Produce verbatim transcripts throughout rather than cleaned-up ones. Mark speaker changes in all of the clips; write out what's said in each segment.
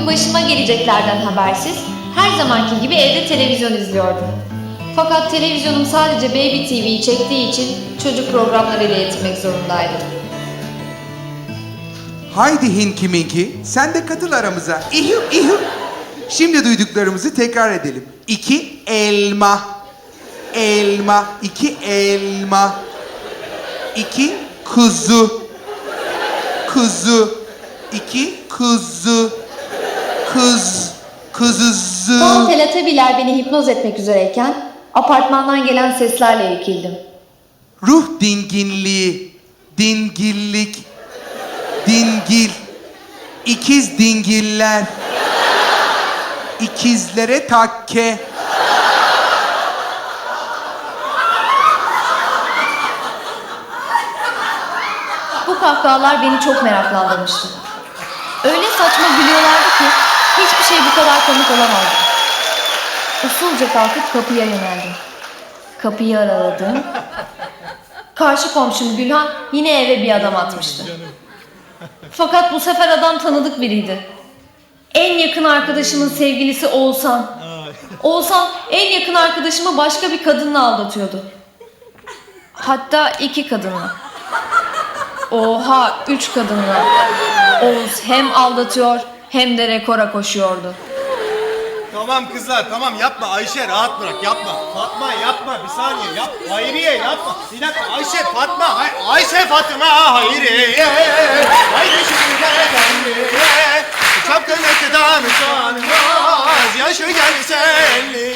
Speaker 1: başıma geleceklerden habersiz her zamanki gibi evde televizyon izliyordum. Fakat televizyonum sadece Baby T V'yi çektiği için çocuk programlarıyla yetinmek zorundaydım.
Speaker 2: Haydi Hinki Minki, sen de katıl aramıza. İhu ihu. Şimdi duyduklarımızı tekrar edelim. İki elma. Elma. İki elma. İki kuzu. Kuzu. İki kuzu. Kız. Kuzuzu.
Speaker 1: Tam teletabiler beni hipnoz etmek üzereyken apartmandan gelen seslerle irkildim.
Speaker 2: Ruh dinginliği. Dingillik. Dingil. İkiz dingiller. İkizlere takke.
Speaker 1: Bu kahkahalar beni çok meraklandırmıştı. Öyle saçma gülüyorlardı ki hiçbir şey bu kadar komik olamazdı. Usulca kalkıp kapıya yöneldim. Kapıyı araladım. Karşı komşum Gülhan yine eve bir adam atmıştı. Fakat bu sefer adam tanıdık biriydi. En yakın arkadaşımın sevgilisi Oğuzhan. Oğuzhan en yakın arkadaşımı başka bir kadınla aldatıyordu. Hatta iki kadınla. Oha, üç kadınla. Oğuz hem aldatıyor hem de rekora koşuyordu.
Speaker 3: Tamam kızlar tamam yapma Ayşe rahat bırak yapma. Fatma yapma bir saniye yap. Hayriye yapma. Bir dakika Ayşe Fatma Hay Ayşe Fatma Hayriye. Haydi şimdi efendiye. Çapkınlıktan utanmaz yaşı gelsenli.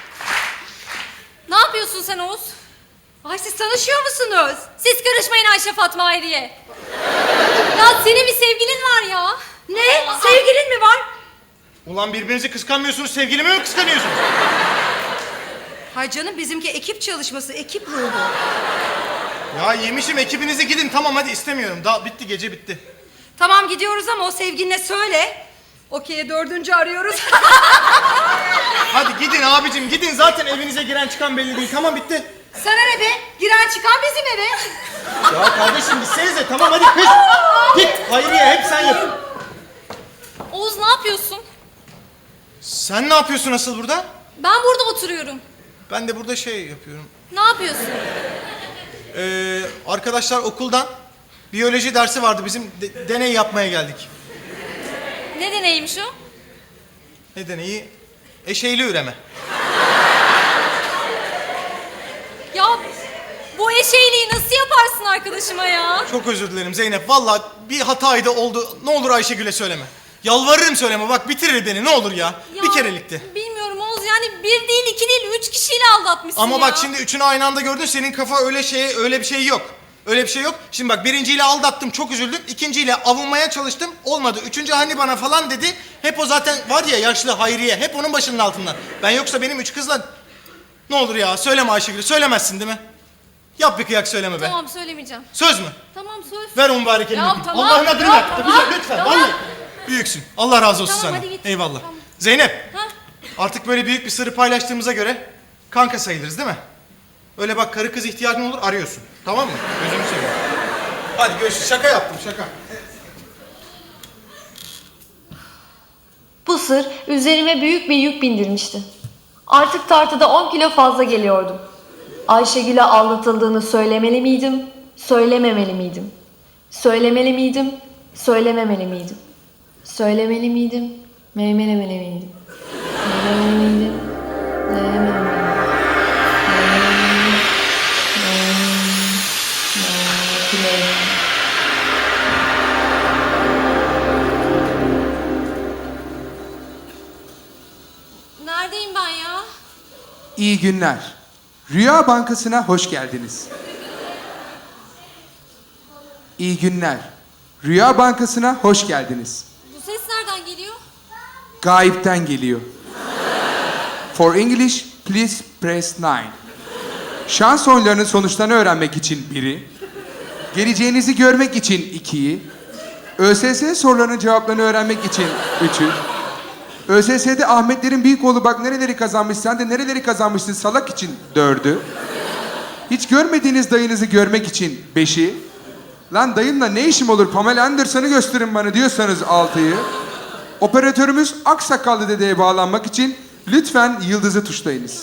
Speaker 4: Ne yapıyorsun sen Oğuz? Ay siz tanışıyor musunuz? Siz karışmayın Ayşe Fatma Hayriye. Ya senin bir sevgilin var ya. Ne? Sevgilin mi var?
Speaker 3: Ulan birbirinizi kıskanmıyorsunuz sevgilimi mi kıskanıyorsunuz?
Speaker 5: Hay canım bizimki ekip çalışması, ekip ruhu.
Speaker 3: Ya yemişim ekibinize gidin tamam hadi istemiyorum. Daha bitti gece bitti.
Speaker 5: Tamam gidiyoruz ama o sevgiline söyle. Okey'e dördüncü arıyoruz.
Speaker 3: Hadi gidin abicim gidin zaten evinize giren çıkan belli değil tamam bitti.
Speaker 5: Sana ne be? Giren çıkan bizim eve.
Speaker 3: Ya kardeşim gitsenize tamam hadi kız. Git Hayriye hep sen yap.
Speaker 4: Oğuz ne yapıyorsun?
Speaker 3: Sen ne yapıyorsun asıl burada?
Speaker 4: Ben burada oturuyorum.
Speaker 3: Ben de burada şey yapıyorum.
Speaker 4: Ne yapıyorsun?
Speaker 3: Ee, arkadaşlar okuldan biyoloji dersi vardı bizim de- deney yapmaya geldik.
Speaker 4: Ne deneymiş o?
Speaker 3: Ne deneyi? Eşeğli üreme.
Speaker 4: Ya bu eşeğliği nasıl yaparsın arkadaşıma ya?
Speaker 3: Çok özür dilerim Zeynep. Vallahi bir hataydı oldu. Ne olur Ayşegül'e söyleme. Yalvarırım söyleme. Bak bitirir beni ne olur ya.
Speaker 4: Ya,
Speaker 3: Bir kerelikti.
Speaker 4: Bilmiyorum Oğuz yani bir değil iki değil üç kişiyle aldatmışsın
Speaker 3: Ama
Speaker 4: ya.
Speaker 3: bak şimdi üçünü aynı anda gördün. Senin kafa öyle şey öyle bir şey yok. Öyle bir şey yok. Şimdi bak birinciyle aldattım çok üzüldüm. İkinciyle avunmaya çalıştım. Olmadı. Üçüncü hani bana falan dedi. Hep o zaten var ya yaşlı Hayriye. Hep onun başının altından. Ben yoksa benim üç kızla... Ne olur ya söyleme Ayşegül. Söylemezsin değil mi? Yap bir kıyak söyleme be.
Speaker 4: Tamam söylemeyeceğim.
Speaker 3: Söz mü?
Speaker 4: Tamam söz.
Speaker 3: Ver o mübarek elini.
Speaker 4: Ya
Speaker 3: öpeyim.
Speaker 4: tamam,
Speaker 3: Allah'ın adını
Speaker 4: ya
Speaker 3: ver.
Speaker 4: tamam,
Speaker 3: Güzel, lütfen.
Speaker 4: tamam.
Speaker 3: Vallahi. Büyüksün. Allah razı olsun
Speaker 4: Tamam,
Speaker 3: sana.
Speaker 4: hadi git.
Speaker 3: Eyvallah.
Speaker 4: Tamam.
Speaker 3: Zeynep.
Speaker 4: Ha?
Speaker 3: Artık böyle büyük bir sırrı paylaştığımıza göre kanka sayılırız değil mi? Öyle bak karı kız ihtiyacın olur arıyorsun. Tamam mı? Gözümü seveyim. Hadi görüşürüz. Şaka yaptım şaka.
Speaker 1: Bu sır üzerime büyük bir yük bindirmişti. Artık tartıda on kilo fazla geliyordum. Ayşegül'e aldatıldığını söylemeli miydim, söylememeli miydim? Söylemeli miydim, söylememeli miydim? Söylemeli miydim, meymelemeli miydim? Söylemeli miydim, söylememeli miydim?
Speaker 4: Neredeyim ben ya?
Speaker 2: İyi günler. Rüya Bankası'na hoş geldiniz. İyi günler. Rüya Bankası'na hoş geldiniz.
Speaker 4: Bu ses nereden geliyor?
Speaker 2: Gayipten geliyor. For English, please press nine. Şans oyunlarının sonuçlarını öğrenmek için biri, geleceğinizi görmek için ikiyi, ÖSS sorularının cevaplarını öğrenmek için üçü, ÖSS'de Ahmetlerin büyük oğlu bak nereleri kazanmış, sen de nereleri kazanmışsın salak için dördü, hiç görmediğiniz dayınızı görmek için beşi, lan dayınla ne işim olur Pamela Anderson'ı gösterin bana diyorsanız altıyı, Operatörümüz Aksakallı dedeye bağlanmak için lütfen yıldızı tuşlayınız.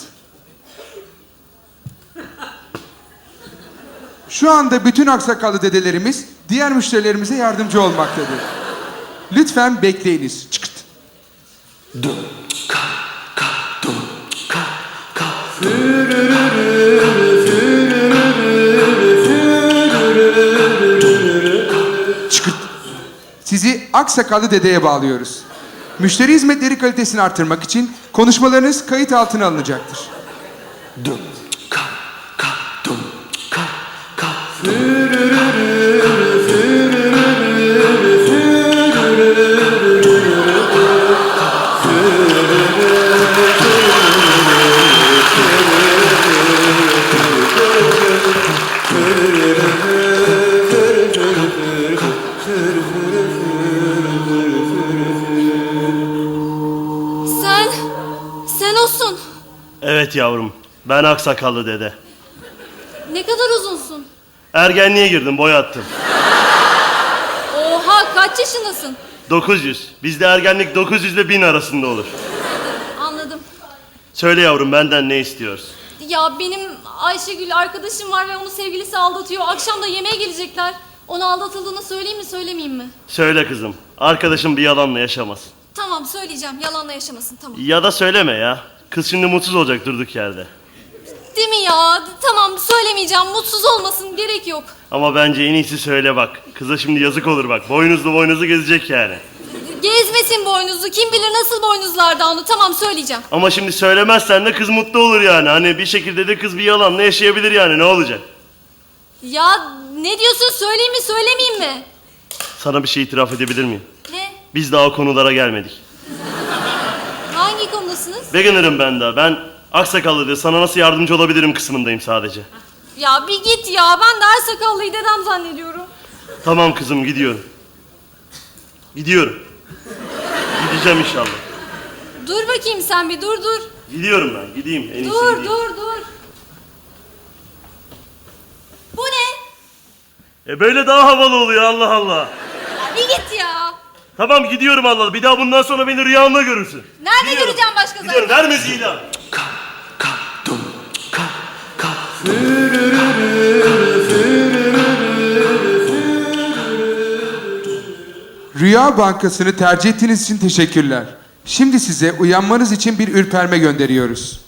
Speaker 2: Şu anda bütün aksakallı dedelerimiz diğer müşterilerimize yardımcı olmaktadır. Lütfen bekleyiniz. Çıkıt. Çıkıt. Sizi aksakallı dedeye bağlıyoruz. Müşteri hizmetleri kalitesini artırmak için konuşmalarınız kayıt altına alınacaktır.
Speaker 4: Sen, sen olsun.
Speaker 6: Evet yavrum, ben aksakallı dede.
Speaker 4: Ne kadar uzunsun.
Speaker 6: Ergenliğe girdim, boy attım.
Speaker 4: Oha, kaç yaşındasın?
Speaker 6: dokuz yüz. Bizde ergenlik dokuz yüz ile bin arasında olur.
Speaker 4: Anladım.
Speaker 6: Söyle yavrum, benden ne istiyorsun?
Speaker 4: Ya benim Ayşegül arkadaşım var ve onu sevgilisi aldatıyor. Akşam da yemeğe gelecekler. Ona aldatıldığını söyleyeyim mi söylemeyeyim mi?
Speaker 6: Söyle kızım, arkadaşım bir yalanla yaşamaz.
Speaker 4: Tamam söyleyeceğim, yalanla yaşamasın, tamam.
Speaker 6: Ya da söyleme ya. Kız şimdi mutsuz olacak durduk yerde.
Speaker 4: Değil mi ya? Tamam söylemeyeceğim, mutsuz olmasın, gerek yok.
Speaker 6: Ama bence en iyisi söyle bak. Kıza şimdi yazık olur bak. Boynuzlu boynuzlu gezecek yani.
Speaker 4: Gezmesin boynuzu, kim bilir nasıl boynuzlardı onu, tamam söyleyeceğim.
Speaker 6: Ama şimdi söylemezsen de kız mutlu olur yani. Hani bir şekilde de kız bir yalanla yaşayabilir yani, ne olacak?
Speaker 4: Ya ne diyorsun, söyleyeyim mi söylemeyeyim mi?
Speaker 6: Sana bir şey itiraf edebilir miyim?
Speaker 4: Ne?
Speaker 6: Biz daha o konulara gelmedik.
Speaker 4: Hangi konudasınız?
Speaker 6: Beginner'ım ben daha. Ben aksakallı diye sana nasıl yardımcı olabilirim kısmındayım sadece.
Speaker 4: Ya bir git ya, ben de her sakallıyı dedem zannediyorum.
Speaker 6: Tamam kızım, gidiyorum. Gidiyorum. Gideceğim inşallah.
Speaker 4: Dur bakayım sen bir, dur dur.
Speaker 6: Gidiyorum ben, gideyim. En iyisi
Speaker 4: Dur
Speaker 6: gideyim.
Speaker 4: dur dur. Bu ne?
Speaker 6: E böyle daha havalı oluyor, Allah Allah.
Speaker 4: Ya bir git ya.
Speaker 6: Tamam gidiyorum Allah Allah. Bir daha bundan sonra beni rüyanda görürsün.
Speaker 4: Nerede
Speaker 6: Gidiyorum.
Speaker 4: göreceğim başka
Speaker 6: Gidiyorum,
Speaker 4: zaman?
Speaker 6: ver müziği lan.
Speaker 2: Rüya Bankası'nı tercih ettiğiniz için teşekkürler. Şimdi size uyanmanız için bir ürperme gönderiyoruz.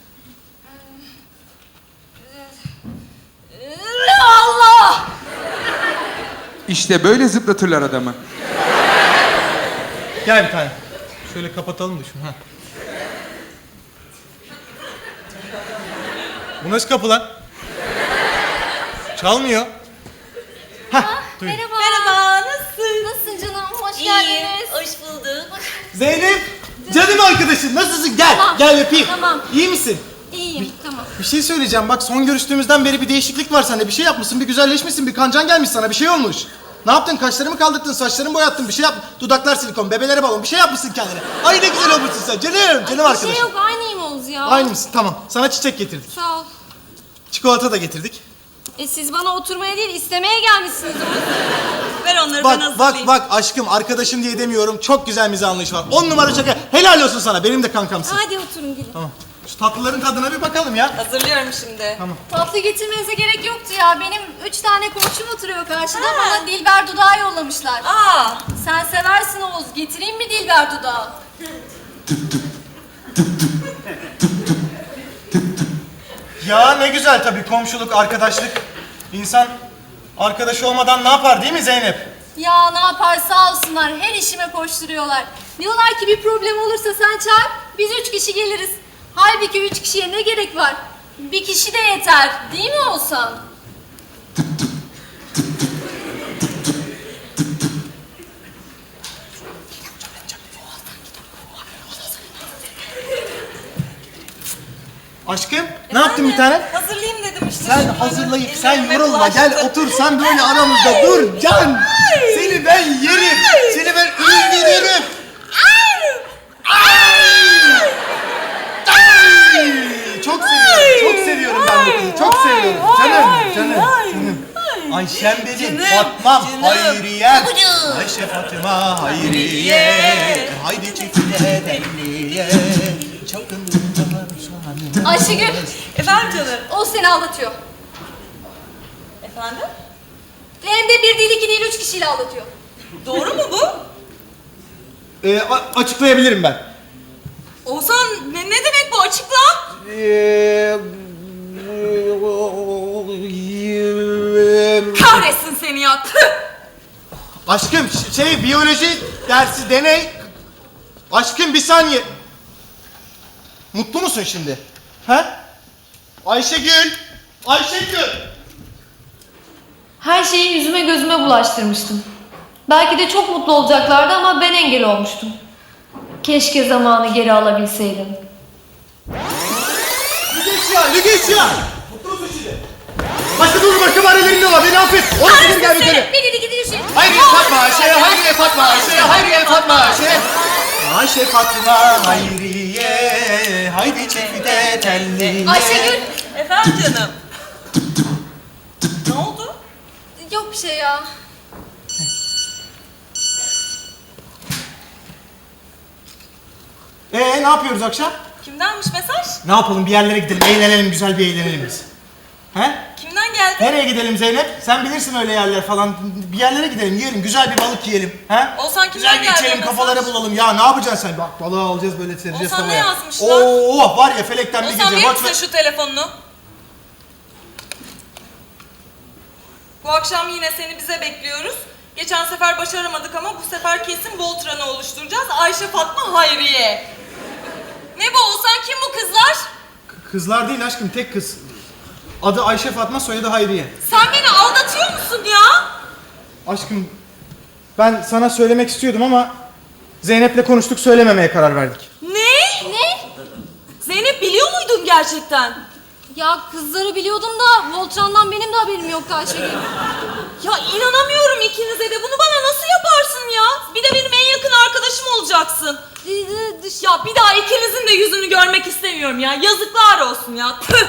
Speaker 4: Allah!
Speaker 2: İşte böyle zıplatırlar adamı.
Speaker 3: Gel bir tane. Şöyle kapatalım da şunu. Ha. Bu nasıl kapı lan? Çalmıyor. Hah, duyun.
Speaker 4: Merhaba.
Speaker 7: Merhaba, nasılsın?
Speaker 4: Nasılsın canım? Hoş
Speaker 7: İyiyim,
Speaker 4: geldiniz.
Speaker 7: hoş bulduk.
Speaker 3: Zeynep, canım arkadaşım nasılsın? Gel,
Speaker 4: Tamam.
Speaker 3: gel öpeyim.
Speaker 4: Tamam.
Speaker 3: İyi misin?
Speaker 4: İyiyim, tamam.
Speaker 3: Bir şey söyleyeceğim. Bak son görüştüğümüzden beri bir değişiklik var sende. Bir şey yapmışsın, bir güzelleşmişsin, bir kancan gelmiş sana. Bir şey olmuş. Ne yaptın? Kaşlarımı kaldırdın, saçlarımı boyattın, bir şey yap. Dudaklar silikon, bebelere balon. Bir şey yapmışsın kendine. Ay ne güzel olmuşsun sen. Canım, canım
Speaker 4: Bir
Speaker 3: arkadaşım.
Speaker 4: şey yok, aynıyım Oğuz ya.
Speaker 3: Aynı mısın? Tamam. Sana çiçek getirdik.
Speaker 4: Sağ ol.
Speaker 3: Çikolata da getirdik.
Speaker 4: E siz bana oturmaya değil, istemeye gelmişsiniz Oğuz.
Speaker 7: Ver onları ben
Speaker 3: Bak
Speaker 7: hazırlayayım.
Speaker 3: bak bak aşkım arkadaşım diye demiyorum. Çok güzel mizah anlayışı var. On numara şaka. Helal olsun sana. Benim de kankamsın.
Speaker 4: Hadi oturun gelin.
Speaker 3: Tamam. Şu tatlıların tadına bir bakalım ya.
Speaker 7: Hazırlıyorum şimdi.
Speaker 1: Tatlı getirmenize gerek yoktu ya. Benim üç tane komşum oturuyor karşıda. Bana Dilber dudağı yollamışlar.
Speaker 7: Aa,
Speaker 1: Sen seversin Oğuz. Getireyim mi Dilber dudağı?
Speaker 3: Ya ne güzel tabii komşuluk, arkadaşlık. İnsan arkadaşı olmadan ne yapar değil mi Zeynep?
Speaker 1: Ya ne yapar sağ olsunlar. Her işime koşturuyorlar. Diyorlar ki bir problem olursa sen çağır. Biz üç kişi geliriz. Halbuki üç kişiye ne gerek var? Bir kişi de yeter. Değil mi Oğuzhan?
Speaker 3: Aşkım ne yaptın bir tane?
Speaker 7: hazırlayayım dedim işte.
Speaker 3: Sen
Speaker 7: şunları.
Speaker 3: hazırlayıp
Speaker 7: Ellerime
Speaker 3: sen yorulma gel
Speaker 7: bulaştı.
Speaker 3: otur sen böyle aramızda dur can. Seni ben yerim. Seni ben indiririm. Ay! Çok seviyorum. Çok seviyorum ben bu kızı. Çok seviyorum. Canım canım canım. Ayşem benim,
Speaker 7: Canım,
Speaker 3: Fatmam,
Speaker 7: canım.
Speaker 3: Hayriyem.
Speaker 7: Babacığım.
Speaker 3: Ayşe Fatıma, Hayriye. Haydi çiftine belliye. Çapkınlıklar şanı.
Speaker 4: Ayşegül,
Speaker 7: Efendim canım.
Speaker 4: o seni aldatıyor.
Speaker 7: Efendim?
Speaker 4: Hem de bir değil, iki değil, üç kişiyle aldatıyor.
Speaker 7: Doğru mu bu?
Speaker 3: Ee, a- açıklayabilirim ben.
Speaker 7: Oğuzhan ne, ne demek bu, açıkla.
Speaker 3: Ee,
Speaker 7: Kahretsin seni ya. Tüh!
Speaker 3: Aşkım ş- şey biyoloji dersi deney. Aşkım bir saniye. Mutlu musun şimdi? He? Ayşegül. Ayşegül.
Speaker 1: Her şeyi yüzüme gözüme bulaştırmıştım. Belki de çok mutlu olacaklardı ama ben engel olmuştum. Keşke zamanı geri alabilseydim.
Speaker 3: Lügeçya, Lügeçya. Mutlu musun şimdi? Başka dur başka barelerin ne var? Beni affet. Onu sinir gel bir kere.
Speaker 4: Bir değil, iki değil, üç değil.
Speaker 3: Hayriye Fatma Ayşe, Hayriye Fatma Ayşe, Hayriye Fatma Ayşe. Ayşe Fatma Hayriye, haydi çifte telliye.
Speaker 4: Ayşegül.
Speaker 7: Efendim canım. Ne oldu?
Speaker 4: Yok bir şey ya.
Speaker 3: Ee ne yapıyoruz akşam?
Speaker 7: Kimdenmiş mesaj?
Speaker 3: Ne yapalım bir yerlere gidelim, eğlenelim, güzel bir eğlenelim biz. He?
Speaker 7: Kimden geldi?
Speaker 3: Nereye gidelim Zeynep? Sen bilirsin öyle yerler falan. Bir yerlere gidelim, yiyelim, güzel bir balık yiyelim. He?
Speaker 7: Oğuzhan, kimden
Speaker 3: güzel bir
Speaker 7: geldi
Speaker 3: içelim,
Speaker 7: o
Speaker 3: kafaları
Speaker 7: mesaj?
Speaker 3: bulalım. Ya ne yapacaksın sen? Bak balığı alacağız böyle sereceğiz
Speaker 7: Oğuzhan, ne
Speaker 3: tavaya.
Speaker 7: yazmışlar?
Speaker 3: Oo var ya felekten bir
Speaker 7: Oğuzhan
Speaker 3: gece.
Speaker 7: verir
Speaker 3: Bak,
Speaker 7: misin şu telefonunu? Bu akşam yine seni bize bekliyoruz. Geçen sefer başaramadık ama bu sefer kesin Voltran'ı oluşturacağız. Ayşe Fatma Hayriye. Ne bu Oğuzhan, kim bu kızlar?
Speaker 3: Kızlar değil aşkım, tek kız. Adı Ayşe Fatma, soyadı Hayriye.
Speaker 7: Sen beni aldatıyor musun ya?
Speaker 3: Aşkım ben sana söylemek istiyordum ama Zeynep'le konuştuk, söylememeye karar verdik.
Speaker 7: Ne? Ne? Zeynep, biliyor muydun gerçekten?
Speaker 4: Ya kızları biliyordum da Voltran'dan benim de haberim yoktu Ayşegül.
Speaker 7: Ya inanamıyorum ikinize de. Bunu bana nasıl yaparsın ya? Bir de benim en yakın arkadaşım olacaksın. Ya bir daha ikinizin de yüzünü görmek istemiyorum ya. Yazıklar olsun ya. Tüh!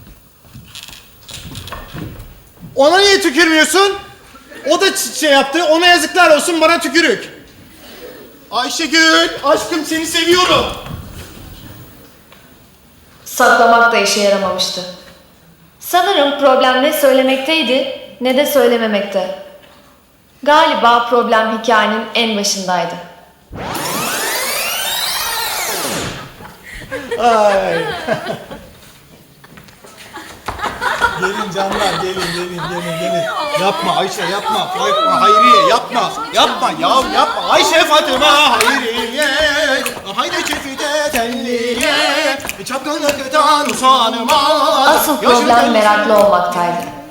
Speaker 3: Ona niye tükürmüyorsun? O da ç- şey yaptı, ona yazıklar olsun, bana tükürük. Ayşegül, aşkım seni seviyorum.
Speaker 1: Saklamak da işe yaramamıştı. Sanırım problem ne söylemekteydi ne de söylememekte. Galiba problem hikayenin en başındaydı.
Speaker 3: Ay. Gelin canlar, gelin, gelin, gelin, gelin. Yapma Ayşe, yapma. Yapma Hayriye, yapma. Yapma ya, yapma. Ayşe Fatıma Hayriye. Haydi çifte telliye. Çapkınlıktan usanmaz.
Speaker 1: Asıl problem meraklı olmaktaydı.